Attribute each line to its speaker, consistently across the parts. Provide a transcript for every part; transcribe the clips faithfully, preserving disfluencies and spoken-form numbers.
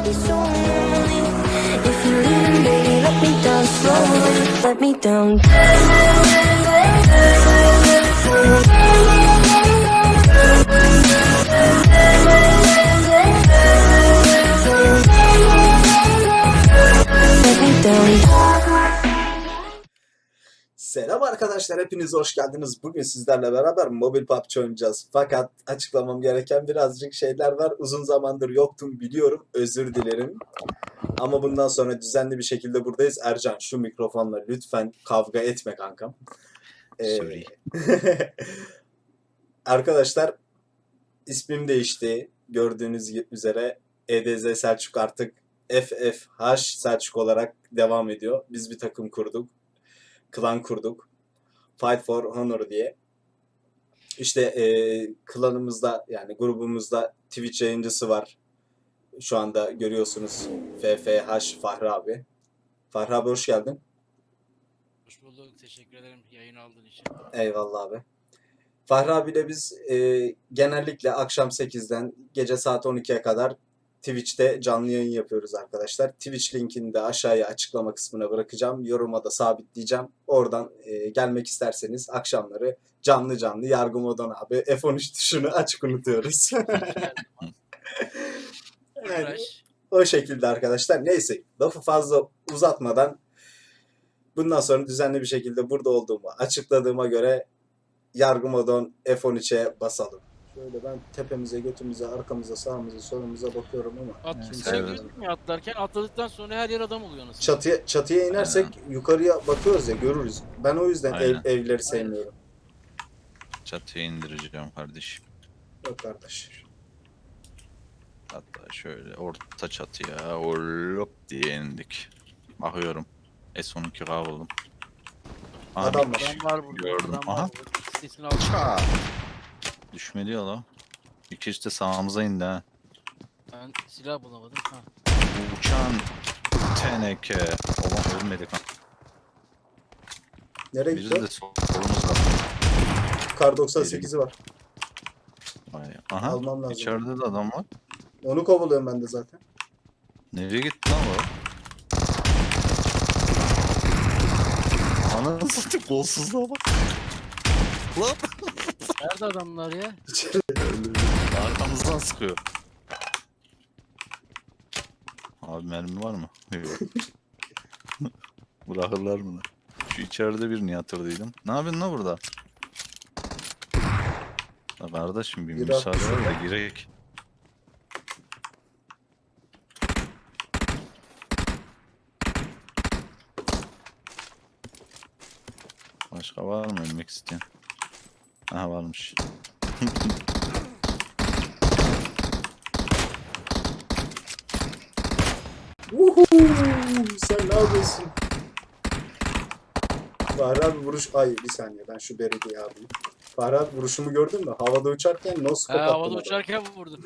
Speaker 1: I'll be so lonely. If you're leaving, baby, let me down slowly. Let me down. Let me down.
Speaker 2: Selam arkadaşlar, hepiniz hoş geldiniz. Bugün sizlerle beraber mobil P U B G oynayacağız. Fakat açıklamam gereken birazcık şeyler var. Uzun zamandır yoktum biliyorum, özür dilerim. Ama bundan sonra düzenli bir şekilde buradayız. Ercan, şu mikrofonla lütfen kavga etme kankam. Ee,
Speaker 3: Sorry.
Speaker 2: Arkadaşlar, ismim değişti. Gördüğünüz üzere E D Z Selçuk artık F F H Selçuk olarak devam ediyor. Biz bir takım kurduk. Klan kurduk. Fight for Honor diye. İşte e, klanımızda, yani grubumuzda Twitch yayıncısı var. Şu anda görüyorsunuz, F F H Fahri abi. Fahri abi hoş geldin.
Speaker 4: Hoş bulduk. Teşekkür ederim yayın aldığın için.
Speaker 2: Eyvallah abi. Fahri abiyle biz e, genellikle akşam sekizden gece saat on ikiye kadar Twitch'te canlı yayın yapıyoruz arkadaşlar. Twitch linkini de aşağıya açıklama kısmına bırakacağım. Yoruma da sabitleyeceğim. Oradan e, gelmek isterseniz akşamları canlı canlı Yargı Modon abi F on üç tuşunu açık unutuyoruz. Yani,
Speaker 4: Uğraş.
Speaker 2: o şekilde arkadaşlar. Neyse, lafı fazla uzatmadan bundan sonra düzenli bir şekilde burada olduğumu açıkladığıma göre Yargı Modon F on üçe basalım. Şöyle ben tepemize, götümüze, arkamıza, sağımıza, solumuza bakıyorum ama
Speaker 4: At,
Speaker 3: Evet,
Speaker 4: sen
Speaker 3: evet.
Speaker 4: gözükmüyor atlarken. Atladıktan sonra her yer adam oluyor nasıl?
Speaker 2: çatıya çatıya inersek yukarıya bakıyoruz ya, görürüz. Ben o yüzden ev,
Speaker 3: Aynen.
Speaker 2: evleri sevmiyorum.
Speaker 3: Çatıya indireceğim kardeşim.
Speaker 2: Yok kardeş.
Speaker 3: Hatta şöyle orta çatıya hop diye indik. Bakıyorum. S on iki K buldum. Aha,
Speaker 2: Adam
Speaker 3: bir
Speaker 2: var.
Speaker 3: kişi
Speaker 4: Adam var burada.
Speaker 3: Gördüm.
Speaker 4: Adam
Speaker 3: Aha.
Speaker 4: var burada. Sesini al.
Speaker 3: Ça! Düşmedi ya la. İkisi de sağımıza indi ha.
Speaker 4: Ben silah bulamadım. Ha.
Speaker 3: Uçan teneke. Oğlum ölmedik ha.
Speaker 2: Nereye
Speaker 3: Biri
Speaker 2: gitti?
Speaker 3: de solumuzda.
Speaker 2: Kar doksan sekizi var.
Speaker 3: Vay. Aha.
Speaker 2: Almam lazım.
Speaker 3: İçeride de adam var.
Speaker 2: Onu kovalıyorum ben de zaten.
Speaker 3: Nereye gitti lan o? Ananı satayım, kolsuzluğa bak. Lan.
Speaker 4: Nerede adamlar ya?
Speaker 3: Arkamızdan sıkıyor. Abi mermi var mı? Yok. Bırakırlar mı lan? Şu içeride birini yatırdıydım. Ne yapıyorsun lan burada? Ya kardeşim bir
Speaker 2: Bir
Speaker 3: müsaade
Speaker 2: dakika.
Speaker 3: ver de girek. Başka var mı ölmek isteyen? Aha varmış.
Speaker 2: Uhu, sen ne yapıyorsun? Fahri abi vuruş... Ay bir saniye, ben şu belediye alayım. Fahri abi vuruşumu gördün mü? Havada uçarken no scope
Speaker 4: Ha,
Speaker 2: attım.
Speaker 4: havada
Speaker 2: adama.
Speaker 4: uçarken vurdum.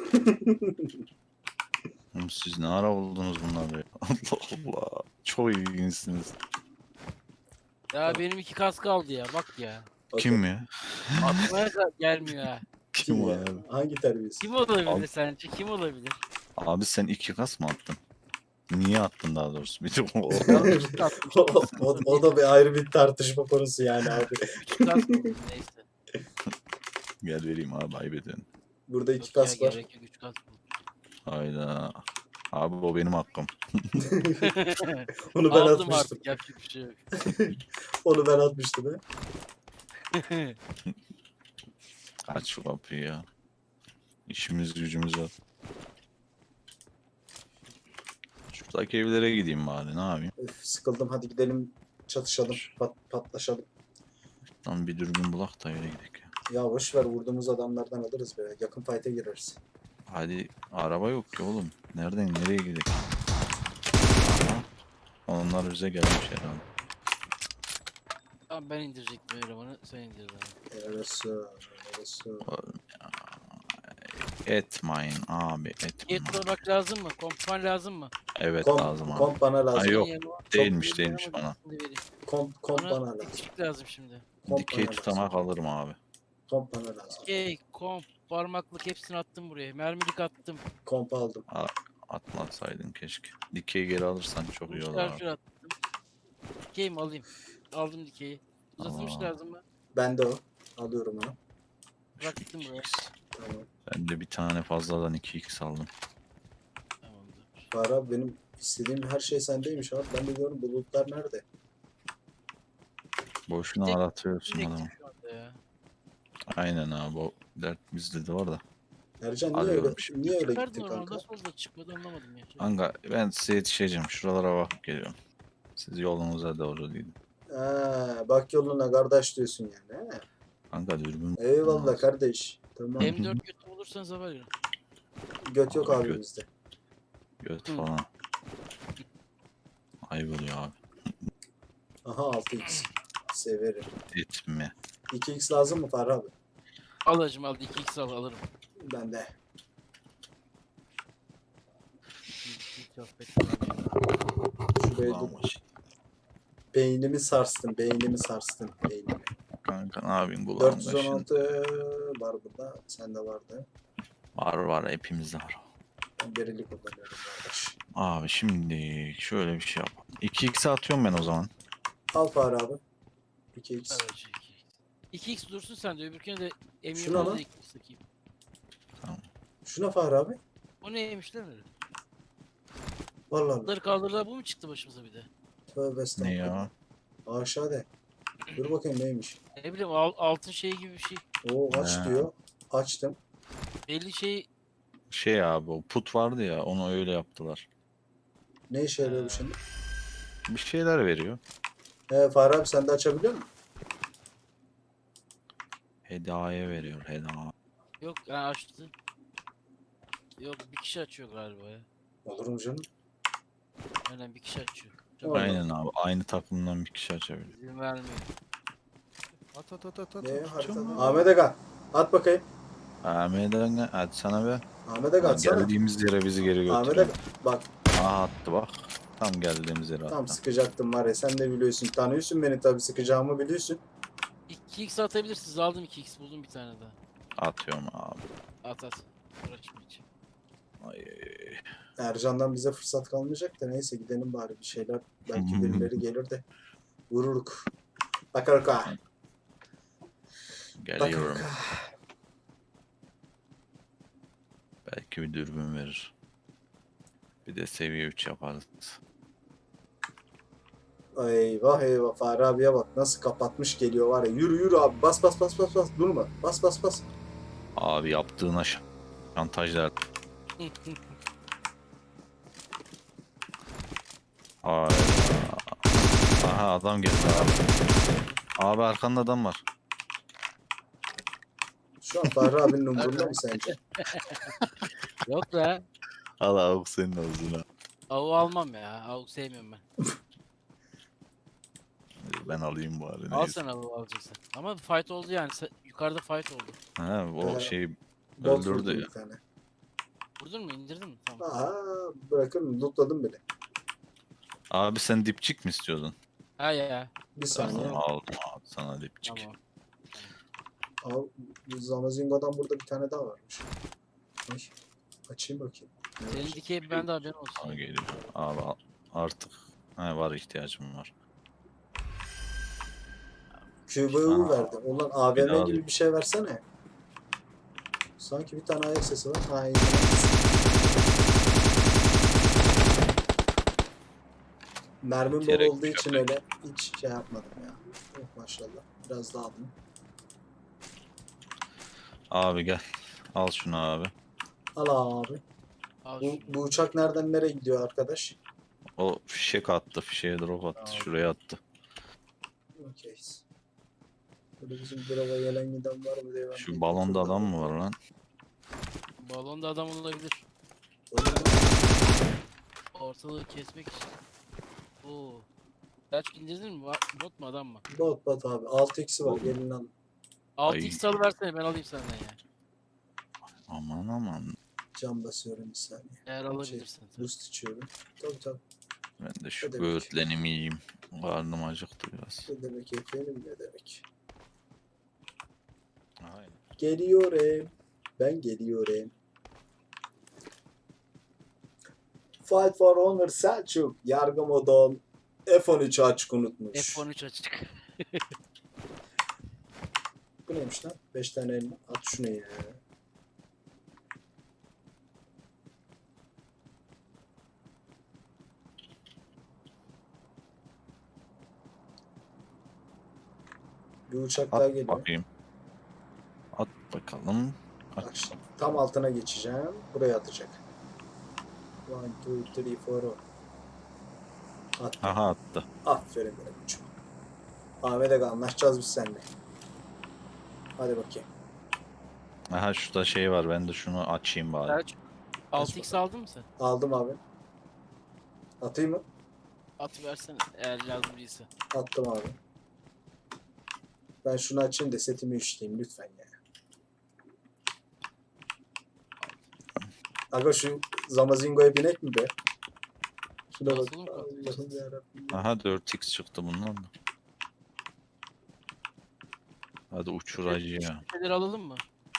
Speaker 3: Oğlum siz ne ara buldunuz bunları? Allah Allah. Çok ilginçsiniz.
Speaker 4: Ya benim iki kas kaldı ya. Bak ya.
Speaker 2: Okey.
Speaker 3: Kim ya?
Speaker 4: Aklıma da gelmiyor ha.
Speaker 3: Kim
Speaker 2: ya?
Speaker 3: var abi?
Speaker 2: Hangi terbiyesiz?
Speaker 4: Kim olabilir
Speaker 3: Abi-
Speaker 4: sence? Kim olabilir?
Speaker 3: Abi sen iki kas mı attın? Niye attın daha doğrusu? Bir de o.
Speaker 4: İki kas
Speaker 2: o, o, o da bir ayrı bir tartışma konusu yani abi.
Speaker 4: İki kas buldum, neyse.
Speaker 3: Gel vereyim abi, ayıp ediyorsun.
Speaker 2: Burada iki
Speaker 4: Yok ya,
Speaker 2: kas var.
Speaker 4: gerek yok, üç kas buldum.
Speaker 3: Hayda. Abi o benim hakkım.
Speaker 2: Onu ben
Speaker 4: Aldım
Speaker 2: atmıştım.
Speaker 4: artık, yapacak bir şey yok.
Speaker 2: Onu ben atmıştım he.
Speaker 3: Aç şu kapıyı ya. İşimiz gücümüz var. Şuradaki evlere gideyim bari, ne yapayım?
Speaker 2: Öf, sıkıldım, hadi gidelim çatışalım, pat, patlaşalım.
Speaker 3: Lan bir dürbün bulak da öyle gidelim ya.
Speaker 2: Ya boş ver, vurduğumuz adamlardan alırız be. Yakın fight'e gireriz.
Speaker 3: Hadi, araba yok ki oğlum. Nereden nereye gidelim? Ha? Onlar bize gelmiş herhalde.
Speaker 4: Tamam, ben indirecektim elemanı, sen indir bana.
Speaker 2: Orası, orası.
Speaker 3: Etmeyin abi, etmeyin.
Speaker 4: Niyet olmak lazım mı? Kompan lazım mı?
Speaker 3: Evet
Speaker 2: Komp,
Speaker 3: lazım abi.
Speaker 2: komp bana lazım.
Speaker 3: Ay, yok.
Speaker 4: Senin yanıma-
Speaker 3: Değilmiş
Speaker 4: Çok
Speaker 3: değilmiş
Speaker 4: iyi,
Speaker 3: bana.
Speaker 4: şimdi vereyim.
Speaker 2: Komp, komp bana
Speaker 4: Bana
Speaker 2: lazım.
Speaker 4: dikişlik lazım şimdi.
Speaker 2: Komp
Speaker 3: Dikey
Speaker 2: bana
Speaker 3: tutamak
Speaker 2: lazım.
Speaker 3: alırım abi.
Speaker 2: Komp bana lazım.
Speaker 4: Okey, komp, parmaklık hepsini attım buraya. Mermilik attım.
Speaker 2: Komp aldım.
Speaker 3: Atmasaydın keşke. Dikeyi geri alırsan çok iyi olur abi.
Speaker 4: Şarjör attım. Dikey mi alayım? Aldım dikeyi. Uzatılmış
Speaker 3: Aa.
Speaker 4: lazım mı?
Speaker 2: Ben de o. Alıyorum onu.
Speaker 3: Şu
Speaker 4: Bıraktım buraya.
Speaker 3: iki x.
Speaker 2: Tamam.
Speaker 3: Ben de bir tane fazladan iki x aldım.
Speaker 4: Tamamdır.
Speaker 2: Bahar abi benim istediğim her şey sendeymiş abi. Ben de diyorum bulutlar nerede?
Speaker 3: Boşuna
Speaker 4: Tek-
Speaker 3: aratıyorsun
Speaker 4: Direkt
Speaker 3: adamı.
Speaker 4: şu anda ya.
Speaker 3: Aynen abi, o dert bizde de var da.
Speaker 2: Ercan niye
Speaker 3: Arıyorum
Speaker 2: öyle,
Speaker 3: şimdi.
Speaker 2: niye öyle
Speaker 4: Çıkardın
Speaker 2: gittin
Speaker 4: oradan
Speaker 2: kanka?
Speaker 4: nasıl oldu da çıkmadı anlamadım ya.
Speaker 3: Kanka ben size yetişeceğim. Şuralara bakıp geliyorum. Siz yolunuza doğru gidin.
Speaker 2: Ha, bak yoluna kardeş diyorsun yani. He?
Speaker 3: Kanka dürbün.
Speaker 2: Eyvallah
Speaker 3: olmaz.
Speaker 2: kardeş. Tamam.
Speaker 4: M dört götü bulursanız haber verin.
Speaker 2: Göt yok
Speaker 3: Abi
Speaker 2: abi
Speaker 3: göt.
Speaker 2: bizde.
Speaker 3: Göt
Speaker 4: Hı.
Speaker 3: falan. Ayıp oluyor abi.
Speaker 2: Aha altı x. Severim.
Speaker 3: Etme.
Speaker 2: iki x lazım mı Fahri abi?
Speaker 4: Al hacım al iki x al alırım.
Speaker 2: Ben de.
Speaker 4: iki x affettim ya.
Speaker 2: Şuraya
Speaker 3: Ulan
Speaker 2: dur.
Speaker 3: baş-
Speaker 2: Beynimi sarstın. Beynimi sarstın. Beynimi.
Speaker 3: Kanka ne yapayım, kulağım
Speaker 2: dört yüz on
Speaker 3: kaşındı.
Speaker 2: altı var burada. Sende vardı.
Speaker 3: Var var, hepimizde var.
Speaker 2: Ben berili kullanıyorum kardeş.
Speaker 3: Abi şimdi şöyle bir şey yap. iki x atıyorum ben o zaman.
Speaker 2: Al Fahri abi. iki x.
Speaker 4: Evet iki x. iki x dursun sen de öbürküne de M
Speaker 2: Şuna
Speaker 4: yirmi
Speaker 2: lan.
Speaker 4: iki x takayım.
Speaker 2: Şuna Fahri abi.
Speaker 4: O neymiş lan öyle?
Speaker 2: Vallahi Allah.
Speaker 4: Bunları kaldırdılar bu mu çıktı başımıza bir de?
Speaker 2: Tövbe
Speaker 3: Ne
Speaker 2: estağfurullah.
Speaker 3: ya?
Speaker 2: Aşağıda. Dur bakayım neymiş.
Speaker 4: Ne bileyim al, altın şey gibi bir şey.
Speaker 2: Oo aç
Speaker 3: He.
Speaker 2: diyor. Açtım.
Speaker 4: Belli şey
Speaker 3: Şey abi, o put vardı ya, onu öyle yaptılar.
Speaker 2: Ne işe yarıyor bu
Speaker 4: He.
Speaker 2: şimdi?
Speaker 3: Bir şeyler veriyor.
Speaker 2: He Fahri abi sen de açabiliyor musun?
Speaker 3: Hediye veriyor, hediye.
Speaker 4: yok ha açtı. Yok bir kişi açıyor galiba ya.
Speaker 2: Olur mu canım?
Speaker 4: Aynen bir kişi açıyor.
Speaker 2: Vallahi.
Speaker 3: Aynen abi, aynı takımdan bir kişi açabiliyor.
Speaker 4: İzin vermiyor.
Speaker 3: At at at at at.
Speaker 2: Ne haritada?
Speaker 3: Atacağım.
Speaker 2: Ahmet Aga. At bakayım.
Speaker 3: Ahmet'e ne? Hadi sana be.
Speaker 2: Ahmet Aga
Speaker 3: Ha,
Speaker 2: atsana.
Speaker 3: geldiğimiz yere bizi geri
Speaker 2: Ahmet
Speaker 3: götürüyor.
Speaker 2: Aga. Bak
Speaker 3: Aha attı bak. Tam geldiğimiz yere
Speaker 2: tam
Speaker 3: attı.
Speaker 2: sıkacaktım var ya sen de biliyorsun. Tanıyorsun beni tabii sıkacağımı biliyorsun.
Speaker 4: iki x atabilirsiniz. Aldım iki x buldum bir tane daha.
Speaker 3: Atıyorum abi.
Speaker 4: At at. Uğraşma hiç.
Speaker 3: Ay.
Speaker 2: Ercan'dan bize fırsat kalmayacak da neyse gidelim bari bir şeyler. Belki birileri gelir de vururuk. Bakaruk ha.
Speaker 3: Geliyorum.
Speaker 2: Bakaruk ha.
Speaker 3: Belki bir dürbün verir. Bir de seviye üç yaparız.
Speaker 2: Eyvah eyvah Fahri abiye bak nasıl kapatmış geliyor var ya. Yürü yürü abi bas bas bas bas bas durma. Bas bas bas.
Speaker 3: Abi yaptığına ş- şantajlar. Ay. Aha adam geldi abi. Abi arkanda adam var.
Speaker 2: Şu an Fahri abinin umurunda mı sence?
Speaker 4: Yok be.
Speaker 3: Al avuk senin ağzına.
Speaker 4: Avu almam ya. Avu sevmiyorum ben.
Speaker 3: Ben alayım bari.
Speaker 4: Al
Speaker 3: Neyse.
Speaker 4: sen avu alacaksın. Ama fight oldu yani. Sa- Yukarıda fight oldu.
Speaker 3: Ha, o
Speaker 2: Ee,
Speaker 3: şeyi
Speaker 2: Bot
Speaker 3: öldürdü
Speaker 2: vurdum
Speaker 3: ya.
Speaker 2: bir tane.
Speaker 4: Vurdun mu? İndirdin mi? Tamam.
Speaker 2: Aha bırakırım lootladım bile.
Speaker 3: Abi sen dipçik mi istiyordun?
Speaker 4: Ha ya.
Speaker 2: Bir saniye.
Speaker 3: Tamam aldım abi sana dipçik.
Speaker 4: Tamam.
Speaker 2: Al, bu Zamazingo'dan burada bir tane daha varmış. Ay, açayım bakayım. Ne
Speaker 4: Senin
Speaker 2: var?
Speaker 4: dikey bende haberin olsun.
Speaker 3: Aa, geliyor. Abi al- artık ha, var, ihtiyacım var.
Speaker 2: Q B U
Speaker 3: Aa,
Speaker 2: verdi. Ulan
Speaker 3: bir
Speaker 2: A V
Speaker 3: daha
Speaker 2: M gibi bir şey versene. Sanki bir tane ayak sesi var. Ha, iyi. Mermim bol
Speaker 3: Gerek
Speaker 2: olduğu
Speaker 3: yok.
Speaker 2: için öyle hiç şey yapmadım ya. Oh, maşallah. Biraz daha aldım.
Speaker 3: Abi gel. Al şunu abi.
Speaker 2: Al abi.
Speaker 4: Al
Speaker 2: Bu,
Speaker 4: şunu.
Speaker 2: bu uçak nereden nereye gidiyor arkadaş?
Speaker 3: O fişek attı. Fişeğe drop attı.
Speaker 2: Tamam.
Speaker 3: Şuraya attı.
Speaker 2: Okey. Böyle bizim brava gelen giden var mı diye ben
Speaker 3: Şu
Speaker 2: bir
Speaker 3: balonda
Speaker 2: kontrol
Speaker 3: adam mı var
Speaker 2: ediyorum.
Speaker 3: lan?
Speaker 4: Balonda adam olabilir.
Speaker 2: Balonda-
Speaker 4: Ortalığı kesmek için. Oo. Kaç indirdin mi? Va- Bot mu adam mı?
Speaker 2: Bot bot abi. altı x'i var. Gelin alın.
Speaker 4: altı
Speaker 3: Ay.
Speaker 4: x alıversene ben alayım senden ya.
Speaker 3: Aman aman.
Speaker 2: Cam basıyorum bir saniye.
Speaker 4: Eğer
Speaker 2: Şey,
Speaker 4: alabilirsen. tabii.
Speaker 2: boost içiyorum. Tabii tabii.
Speaker 3: Ben de şu
Speaker 2: Ne demek?
Speaker 3: böğürtlenimi yiyeyim. Karnım acıktı biraz.
Speaker 2: Ne demek efendim ne demek.
Speaker 3: Aynen.
Speaker 2: Geliyorum. Ben geliyorum. Fight for Honor Selçuk. Yargı modon F on üçü açık unutmuş.
Speaker 4: F on üç açık.
Speaker 2: Bu neymiş lan? beş tane elma. At şunu ya. Bir uçak daha
Speaker 3: At
Speaker 2: geliyor.
Speaker 3: bakayım. At bakalım.
Speaker 2: Bak
Speaker 3: At.
Speaker 2: şimdi tam altına geçeceğim. Buraya atacak. one, two, three, four. At.
Speaker 3: Aha attı.
Speaker 2: Aferin benim uçum. Ahmet Aga anlaşacağız biz seninle. Hadi bakayım.
Speaker 3: Aha şurada şey var. Ben de şunu açayım bari.
Speaker 4: Selçuk. altı x aldın mı sen?
Speaker 2: Aldım abi. Atayım mı?
Speaker 4: At versene eğer lazım değilse.
Speaker 2: Attım abi. Ben şunu açayım da setimi üçleyeyim lütfen ya. Aga şu Zamazingo'ya binek mi be? Şuna bak.
Speaker 4: Nasıl mı?
Speaker 2: Allah'ım yarabbim.
Speaker 3: Aha dört x çıktı bundan da. Hadi uçur hacı ya.
Speaker 4: Şeyleri alalım mı?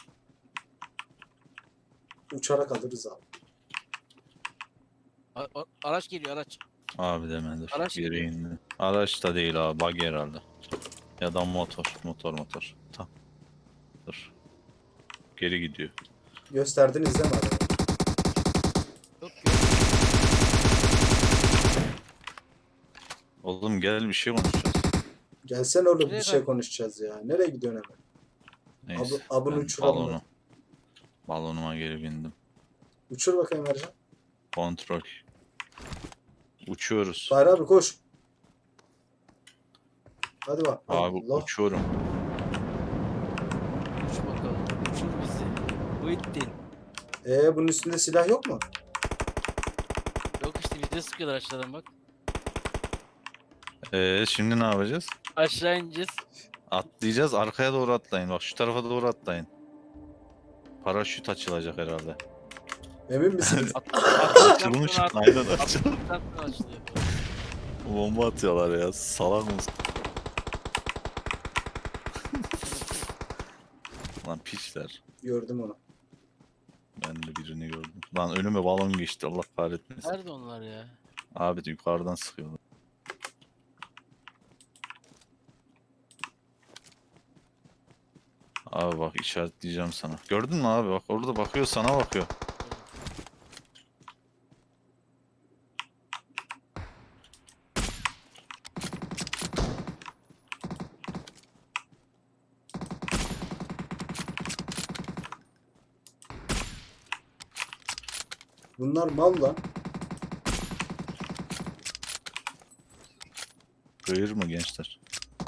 Speaker 2: Uçarak alırız abi.
Speaker 4: A- a- araç geliyor araç.
Speaker 3: Abi demedir.
Speaker 4: Araç
Speaker 3: Geri
Speaker 4: gidiyor.
Speaker 3: indi. Araç da değil abi. Bug herhalde. Ya da motor. Motor motor. Tamam. Dur. Geri gidiyor.
Speaker 2: Gösterdiniz değil mi abi?
Speaker 4: Yok yok.
Speaker 3: Oğlum gel bir şey konuşacağız.
Speaker 2: Gelsene oğlum
Speaker 4: Nereye
Speaker 2: bir şey
Speaker 4: kay-
Speaker 2: konuşacağız ya. Nereye gidiyorsun hemen?
Speaker 3: Neyse.
Speaker 2: Abi- abını
Speaker 3: ben
Speaker 2: uçuralım
Speaker 3: balonu.
Speaker 2: mı?
Speaker 3: Balonuma geri bindim.
Speaker 2: Uçur bakayım Ercan.
Speaker 3: Kontrol. Uçuyoruz.
Speaker 2: Fahri abi koş. Hadi bak.
Speaker 3: Abi
Speaker 2: Allah.
Speaker 3: uçuyorum.
Speaker 4: Uç bakalım. Uçur bizi. Muhittin.
Speaker 2: Ee bunun üstünde silah yok mu?
Speaker 4: Yok işte bize sıkıyorlar aşağıdan bak.
Speaker 3: Ee, şimdi ne yapacağız?
Speaker 4: Aşağı ineceğiz.
Speaker 3: Atlayacağız. Arkaya doğru atlayın. Bak şu tarafa doğru atlayın. Paraşüt açılacak herhalde.
Speaker 2: Emin misiniz?
Speaker 4: At, attıktan
Speaker 3: Açılmış.
Speaker 4: sonra at-
Speaker 3: Aynen açılmış.
Speaker 4: attıktan sonra açılıyor.
Speaker 3: Bomba atıyorlar ya. Salak mısın? Lan piçler.
Speaker 2: Gördüm onu.
Speaker 3: Ben de birini gördüm. Lan önüme balon geçti. Allah kahretmesin.
Speaker 4: Nerede onlar ya?
Speaker 3: Abi de yukarıdan sıkıyorlar. Abi bak işaretleyeceğim sana. Gördün mü abi? Bak orada bakıyor, sana bakıyor.
Speaker 2: Bunlar mal lan.
Speaker 3: Kıyır mı gençler?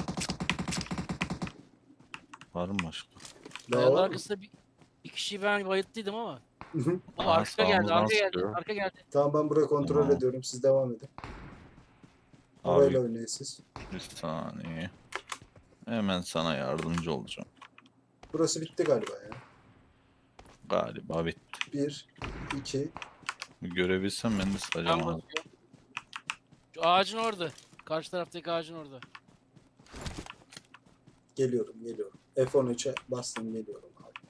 Speaker 3: Var mı başka?
Speaker 2: Daha
Speaker 4: Kayanın
Speaker 2: var mı?
Speaker 4: arkasında bir, bir kişiyi ben bayılttıydım ama.
Speaker 2: Hı hı.
Speaker 4: Ama
Speaker 3: Aha,
Speaker 4: arka geldi,
Speaker 3: sağımızdan
Speaker 4: arka geldi,
Speaker 3: sıkıyor.
Speaker 4: arka geldi.
Speaker 2: Tamam ben burayı kontrol
Speaker 3: Tamam.
Speaker 2: ediyorum. Siz devam edin.
Speaker 3: Abi
Speaker 2: Orayla oynayın siz.
Speaker 3: bir saniye. Hemen sana yardımcı olacağım.
Speaker 2: Burası bitti galiba ya.
Speaker 3: Galiba bitti.
Speaker 2: Bir, iki.
Speaker 3: Bir görebilsem ben de
Speaker 4: Ben
Speaker 3: sayacağım abi.
Speaker 4: basıyorum. Şu ağacın orada. Karşı taraftaki ağacın orada.
Speaker 2: Geliyorum, geliyorum. F on üçe bastım geliyorum abi.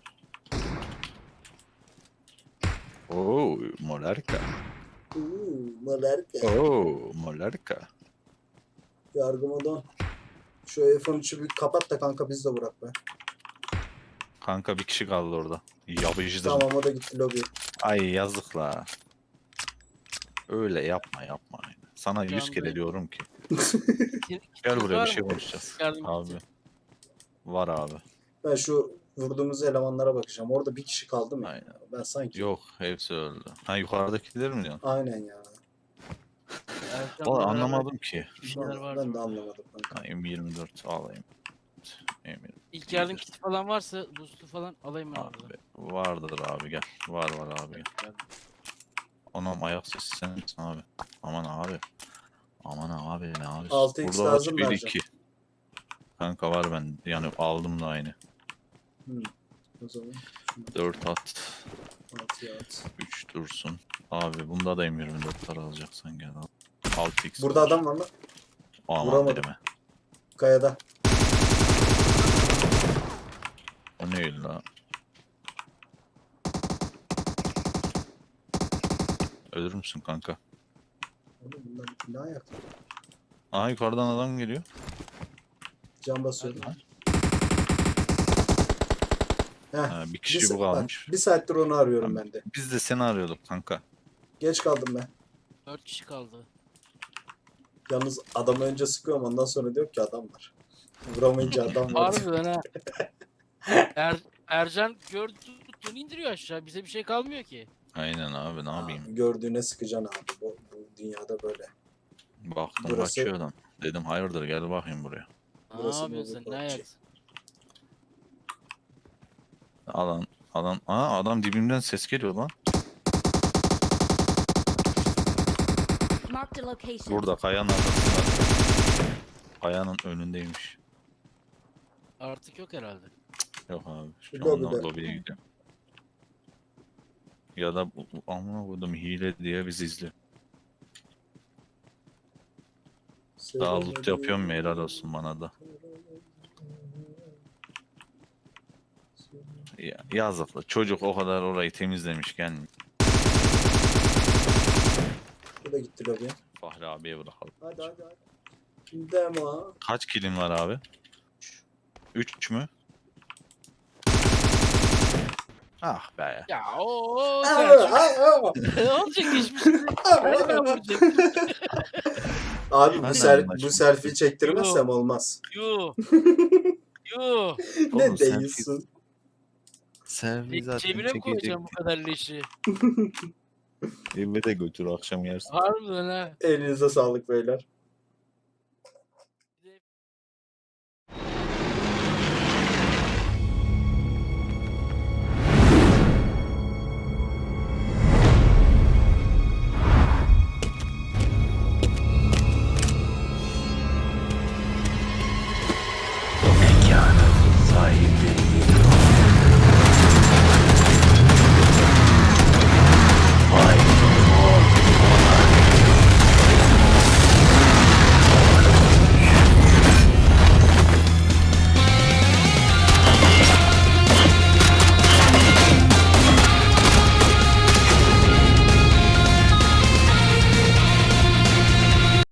Speaker 3: Oo, molarka.
Speaker 2: Uuu, malarka.
Speaker 3: Oo, molarka.
Speaker 2: Yargımadan. Şu F on üçü bir kapat da kanka biz de bırak be.
Speaker 3: Kanka bir kişi kaldı orada. Yapıcıdır.
Speaker 2: Tamam o da gitti lobi.
Speaker 3: Ay yazık la. Öyle yapma yapma. Sana yüz
Speaker 4: anda-
Speaker 3: kere diyorum ki.
Speaker 4: Kim-
Speaker 3: Gel
Speaker 4: kim
Speaker 3: buraya
Speaker 4: var
Speaker 3: bir şey
Speaker 4: mı?
Speaker 3: konuşacağız.
Speaker 4: Yardım
Speaker 3: Abi.
Speaker 4: edeceğim.
Speaker 3: Var abi.
Speaker 2: Ben şu vurduğumuz elemanlara bakacağım. Orada bir kişi kaldı mı?
Speaker 3: Aynen.
Speaker 2: Ben sanki.
Speaker 3: Yok hepsi öldü. Ha yukarıdakiler mi diyorsun?
Speaker 2: Aynen ya.
Speaker 4: Erkan
Speaker 3: Vallahi
Speaker 4: beraber
Speaker 3: anlamadım ki.
Speaker 4: Bir şeyler
Speaker 2: Ben,
Speaker 4: vardı.
Speaker 2: ben de anlamadım kanka.
Speaker 3: Ha, M yirmi dört alayım. M yirmi dört.
Speaker 4: İlk yardım kiti falan varsa boost'u falan alayım ben orada.
Speaker 3: Abi vardır abi gel. Var var abi gel. Anam ayak sesi sen misin abi? Aman abi. Aman abi ne abi?
Speaker 2: altı x
Speaker 3: Burada
Speaker 2: lazım
Speaker 3: var bir
Speaker 2: vereceğim.
Speaker 3: iki. Kanka var ben yani aldım da aynı.
Speaker 2: Hmm. O zaman
Speaker 3: dört at.
Speaker 2: altıya at.
Speaker 3: üç dursun. Abi bunda da M yirmi dörtler alacaksan gel al. altı x
Speaker 2: Burada adam var mı?
Speaker 3: Aman
Speaker 2: vuramadım.
Speaker 3: deme.
Speaker 2: Kayada.
Speaker 3: O ne la? Ölür müsün kanka?
Speaker 2: Oğlum bunlar ne ayak?
Speaker 3: Aha yukarıdan adam geliyor.
Speaker 2: Can basıyordum.
Speaker 4: Hadi.
Speaker 2: Heh,
Speaker 3: Ha, bir
Speaker 2: bir,
Speaker 3: kişi
Speaker 2: sa-
Speaker 3: bu
Speaker 2: bak,
Speaker 3: kalmış.
Speaker 2: bir saattir onu arıyorum
Speaker 3: Tamam.
Speaker 2: ben de.
Speaker 3: Biz de seni arıyorduk kanka.
Speaker 2: Geç kaldım ben.
Speaker 4: Dört kişi kaldı.
Speaker 2: Yalnız adamı önce sıkıyorum ondan sonra diyor ki adam var. Vuramayınca adam var.
Speaker 4: Harbiden ha. Er, Ercan gördü tuttuğunu indiriyor aşağı. Bize bir şey kalmıyor ki.
Speaker 3: Aynen abi ne
Speaker 2: Abi,
Speaker 3: yapayım?
Speaker 2: gördüğüne sıkacaksın abi. Bu, bu dünyada böyle.
Speaker 3: Baktım
Speaker 2: Burası-
Speaker 3: kaçıyor adam. Dedim hayırdır gel bakayım buraya.
Speaker 4: Ne
Speaker 2: Burası
Speaker 4: yapıyorsun sen?
Speaker 2: Bolu
Speaker 4: Ne
Speaker 2: Bahçe.
Speaker 4: ayaksın?
Speaker 3: Adam adam aa adam dibimden ses geliyor lan.
Speaker 5: Marked a location.
Speaker 3: Burada kayanın arkasında. Kayanın önündeymiş.
Speaker 4: Artık yok herhalde.
Speaker 3: Yok abi. Şu
Speaker 2: Lobide.
Speaker 3: anda lobiye gidiyorum. Ya da bu- bu- amına koydum hile diye bizi izliyor. Daha loot yapıyorum ya helal olsun bana da. Ya, yazıklı. Çocuk o kadar orayı temizlemiş gelmiyor.
Speaker 2: Bu da gitti lobiye.
Speaker 3: Fahri abiye bırakalım.
Speaker 2: Hadi hadi hadi. Demo.
Speaker 3: Kaç kilin var abi? üç mü? Ah be.
Speaker 4: Ya o
Speaker 2: Aa,
Speaker 4: Selçuk.
Speaker 2: aa, aa.
Speaker 4: Ne olacak hiçbir şey. Hadi ben vuracağım.
Speaker 2: Abi bu,
Speaker 3: Ben de
Speaker 2: sel
Speaker 3: anlaşıldı.
Speaker 2: bu selfie çektirmezsem olmaz.
Speaker 4: Yuh. Yuh.
Speaker 2: Ne
Speaker 3: Oğlum, selfie-
Speaker 2: değilsin?
Speaker 3: Selfie zaten
Speaker 4: Cebine mi
Speaker 3: çekecek.
Speaker 4: koyacağım bu kadar leşi?
Speaker 3: Eve de götür akşam yersin.
Speaker 4: Harbiden ha.
Speaker 2: Elinize sağlık beyler.